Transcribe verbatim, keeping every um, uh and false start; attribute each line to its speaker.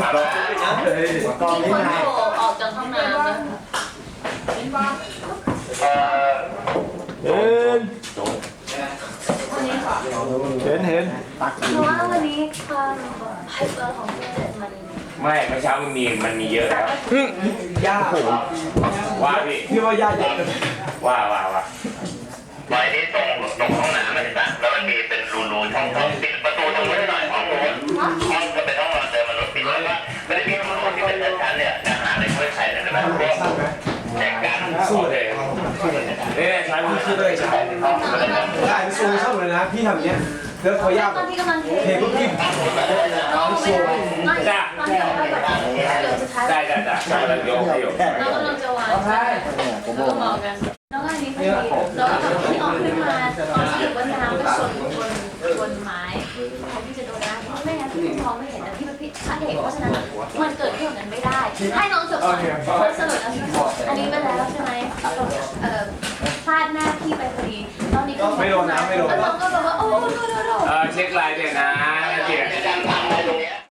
Speaker 1: คนโผล่ออกจากห้องน้ำนะ
Speaker 2: เห็น
Speaker 1: วันนี้ค่ะ
Speaker 2: เห็นเห็น
Speaker 1: เพราะว่าวันนี้ความไฮเปอร์ของเพื่อนมัน
Speaker 3: ไม่เมื่อเช้ามันมีมันมีเยอะแล้ว
Speaker 2: ย่า
Speaker 3: ว่าพี่
Speaker 2: พี่ว่าย่าเยอะ
Speaker 3: ว่าว่าว่า
Speaker 4: ไว้ที่ตรงตรงห้องน้ำเห็นปะแล้วมันมีเป็นรูๆช่องๆปิดประตูตรงนี้หน่อยห้องนู้นห้องจะเป็นห้องนอนเดิมมันรถปิดแล้วก็ไม่ได้มีห้องที่เป็นชั้นเนี่ยจะหาอะไรช่วยใช้เลยนะพวกแจกกัน
Speaker 3: สู้เลยนี่ใช้มือคือเลยใช้
Speaker 2: ได้พี่ซูชอบเลยนะพี่ทำเนี้ยแล้วเขาย่า
Speaker 1: ตอนที่กำลังเท
Speaker 2: เทปุ๊บพี่
Speaker 1: น้องไม่ได้ไม่ตอนที่เราไปแบบเดี๋ยวสุดท้าย
Speaker 3: ได้ได้ได้กำลังยกให้อยู่
Speaker 1: น้องกำลังจะวางใช่แล้วก็มองกันน้องอันนี้พอดีแล้วก็ที่ออกขึ้นมาตอนที่อยู่บนน้ำก็ชนบนบนไม้เขาที่จะโดนน้ำไม่งั้นพี่มองไม่เห็นนะพี่เป็นพี่พระเอกเพราะฉะนั้นมันเกิดเรื่องนั้นไม่ได้ ให้น้องจบก่อนคนสรุปแล้วพี่บอกอันนี้ไปแล้วใช่ไหมเอ่อพลาดหน้าพี่ไปพอดีตอนนี้ก็
Speaker 2: ไม่โดนนะไม่โดน
Speaker 1: แล้วน้องก็แบบว่าโอ้โดนโดนโดน
Speaker 3: เออเช็คลายด้วยนะ